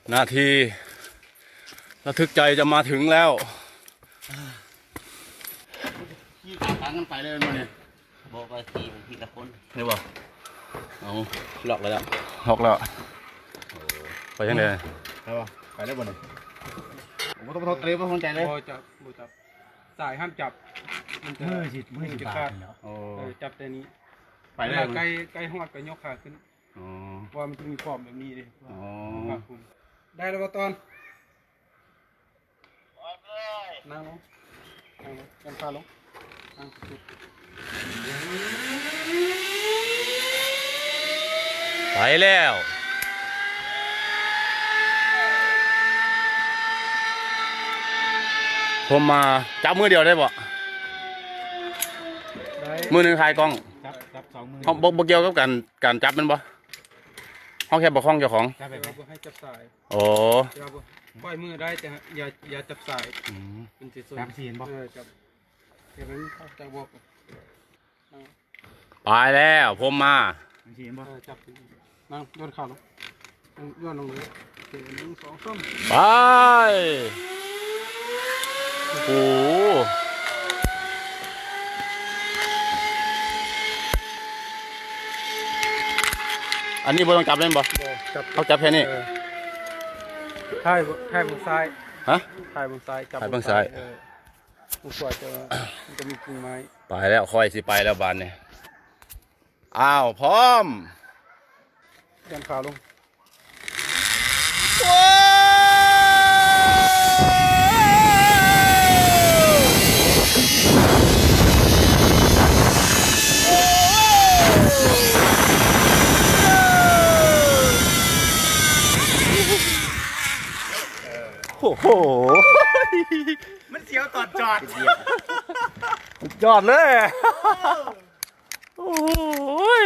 นาทีระทึกใจจะมาถึงแล้วขี่ตามทางกันไปเลยมันเนี่ยบอกว่าทีละคนเห็นบ่เอาล็อกแล้วล็อกแล้วไปยังไงไปบ่ไปได้บ่เนี่ยผมต้องเตรียมต้องใจเลยจับสายห้ามจับมันจะมือจะขาดจับแต่นี้ไปได้ใกล้หอดก็ยกขาขึ้นว่ามันจะมีขอบแบบนี้เลยได้แล้วตอนนั่งลงกันพาลงไปแล้วผมมาจับมือเดียวได้บ่มือหนึ่งถ่ายกล้องจับสองมือเขาบอกเกี่ยวกับการจับมันบ่เขาแค่บอกข้องเจ้าของจับแบบให้จับสายโอ้ปล่อยมือได้แต่อย่าจับสายเป็นสิจับสีนบ่จับเดี๋ยวนั้นจะบอกไปแล้วผมมาสีนบ่จับนั่งย้อนขาลงย้อนลงเลย1 2 3 ไปโอ้โหอันนี้บ่ต้องจับเล่นบ่เขาจับแค่นี้ถ่ายบนซ้ายฮะถ่ายบนซ้ายจับบนซ้ายบนขวาจะมีกิ่งไม้ไปแล้วค่อยสิไปแล้วบานเนี่ยอ้าวพร้อมยันขาลงโอ้โหมันเสียวตอดจอดจอดเลยโอ้ย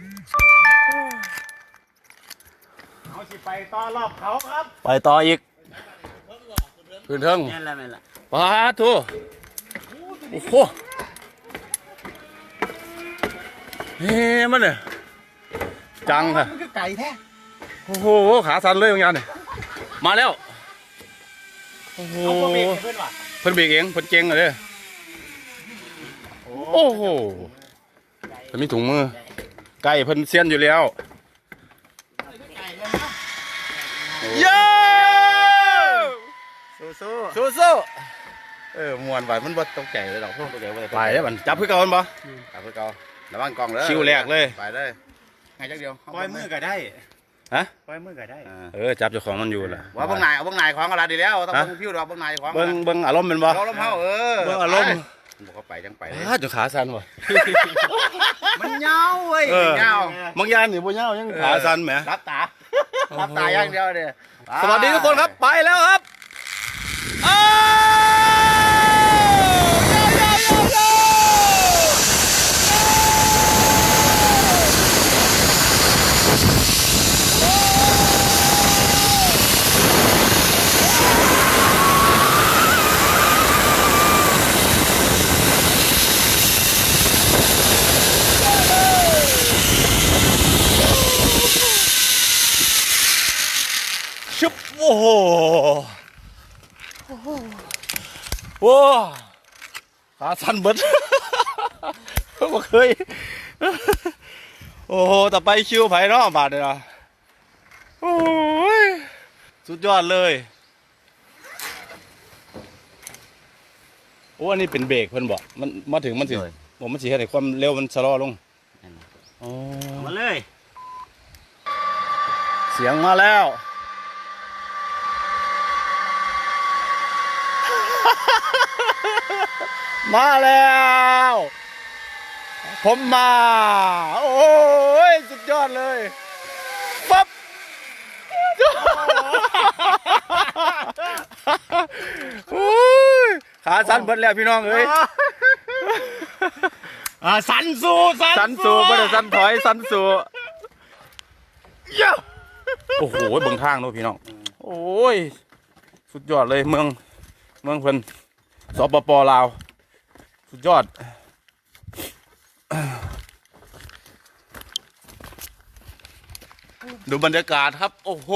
เอาสิไปต่อรอบเขาครับไปต่ออีกขึ้นเทิงแม่นละปาทูโอ้โหเฮ้มันเนี่ยจังค่ะมันคือไก่แท้โอ้โหขาสั่นเลยบางอย่างเนี่ยมาแล้วโอ้โหเพิ่นเบรกเองเพิ่นเก่งเลยโอ้โหเพิ่นมีถุงมือไก่เพิ่นเซียนอยู่แล้วเย้สู้มวนไปมันบ่ตกใจเลยหรอกพวกตกใจไปได้บัดจับเพื่อเก่ามันบ่จับเพื่อเก่าระวังกล้องเลยคิวแรกเลยไปเลยไงจักเดียวปล่อยมือก็ได้ฮะปล่อยมือก็ได้จับเจ้าของมันอยู่ล่ะว่าเบิ่งนายเอาเบิ่งนายของอะไรดีแล้วต้องเบิ่งผิวดอกเบิ่งนายของเบิ่งอารมณ์เป็นบ่อารมณ์เฮาเบิ่งอารมณ์บอกเขาไปจังไปจะขาสั่นบ่มันยาวเว้ยยาวบางอย่างนี่บ่ยาวยังขาสั่นแหมรับตาอย่างเดียวเด้สวัสดีทุกคนครับไปแล้วครับชุบโอ้โหว้าขาสั่นเบิดบ่เคยโอ้โหแต่ไปคิวไผ่เนาะบาดเลยนะโอ้ยสุดยอดเลยโอ้อันนี้เป็นเบรกเพิ่นบอกมันมาถึงมันสิผมมันสิให้ความเร็วมันชะลอลงมาเลยเสียงมาแล้วมาแล้วผมมาโอ้ยสุดยอดเลยปั๊บโอ้ยขาสั่นเบิดแล้วพี่น้องเอ้ยสั่นสู้ไม่ได้สั่นถอยสั่นสู้โอ้โหเบิ่งทางโน้พี่น้องโอ้ยสุดยอดเลยเมืองเพิ่นสปป.ลาวสุดยอดดูบรรยากาศครับ โอ้โห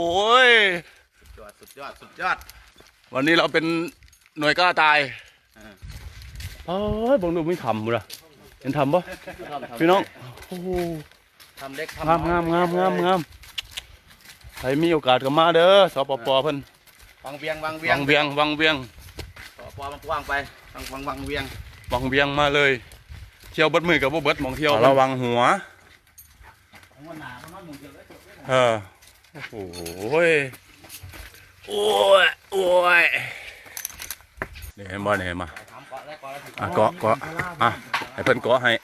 สุดยอดวันนี้เราเป็นหน่วยกล้าตายเฮ้ยบังดูไม่ทำบุระเห็นทำปะพี่น้องโอ้โหทำเล็กงามใครมีโอกาสก็มาเด้อสปปเพิ่นวังเวียงวังเวียงต่อปอมันกว้างไปวังเวียงวังเวียงมาเลย เที่ยวเบิดมือกับบ่เบิดหมองเที่ยวระวังหัวโอ้โหโอ้ยเนี่ยเห็นบ่เนี่ยมาเกาะให้เพิ่นเกาะให้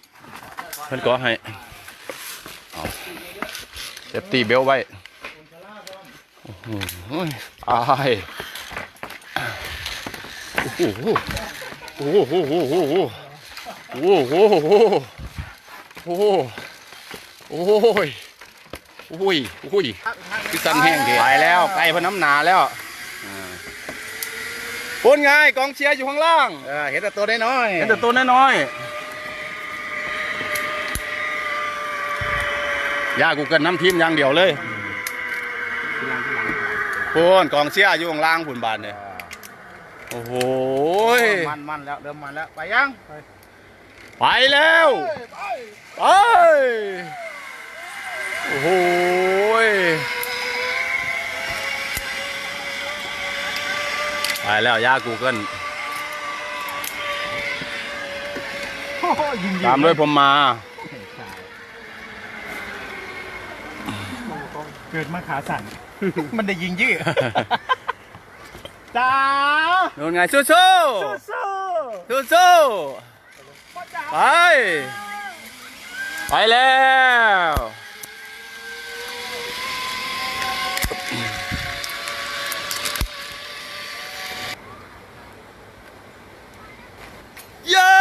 เอาเซฟตี้เบลไว้โอ้โหอายโอ้โหโอ้โหคือสั่นแห้งเกไปแล้วไก่พน้ำหนาแล้วพูดไงกองเชียร์อยู่ข้างล่างเห็นแต่ตัวน้อยเห็นแต่ตัวน้อยย่ากูเกินน้ำทีมอย่างเดียวเลยพูนกองเชียร์อยู่ข้างล่างผุนบานเนี่ยโอ้โหมันแล้วเริ่มมันแล้วไปยังไปแล้วไปโอ้โหไปแล้วย่ากูเกิลตามด้วยผมมาเกิดมาขาสั่น มันได้ยิงยืดจ้าโดนไงสู้ไปแล้วเย้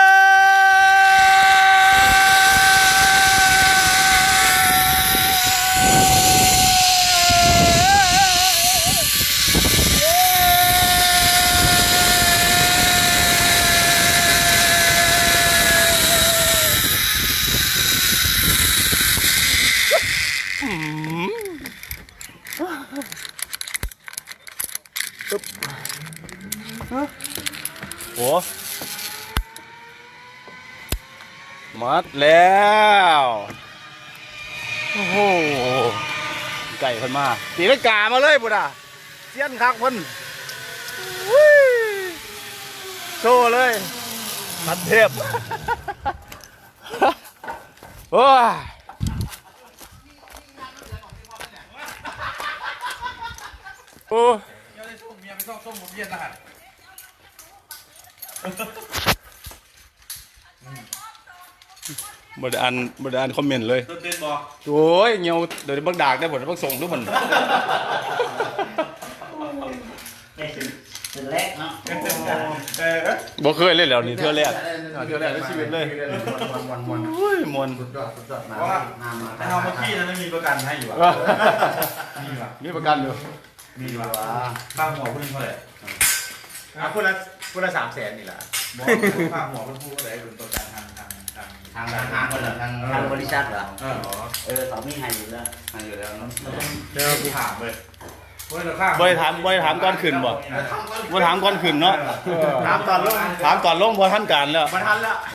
โอ้มัดแล้วโอ้โหไก่เพิ่นมาตีลังกามาเลยบุตรเสี้ยนคักเพิ่นโชว์เลยมันเทพโอ้ยโอ้บไดอ่านคอมเมนต์เลยโอ้ยเงียวเดี๋ยวบักดากได้ผลบักส่งทุกคนเป็นแรกเนาะบ่เคยเล่นแล้วนี่เทื่อแรกในชีวิตเลยโอ้ยมวนสุดยอดมาเพราะว่าเอาเมื่อกี้นั้นมีประกันให้อยู่อ่ะมีประกันอยู่มีว่าค่าหัวเพิ่งเท่าไหร่คนละ300,000นี่แหละบอกค่าหัวเพิ่งพูดเท่าไหร่เป็นประกันทางคนละทางบริษัทเหรอต่อมีให้อยู่แล้วเนาะเดี๋ยวกูถามเลยบ่ได้ถามก่อนขึ้นบ่ถามก่อนขึ้นเนาะถามตอนลงถามก่อนลงบ่ทันการแล้วมาทันแล้ว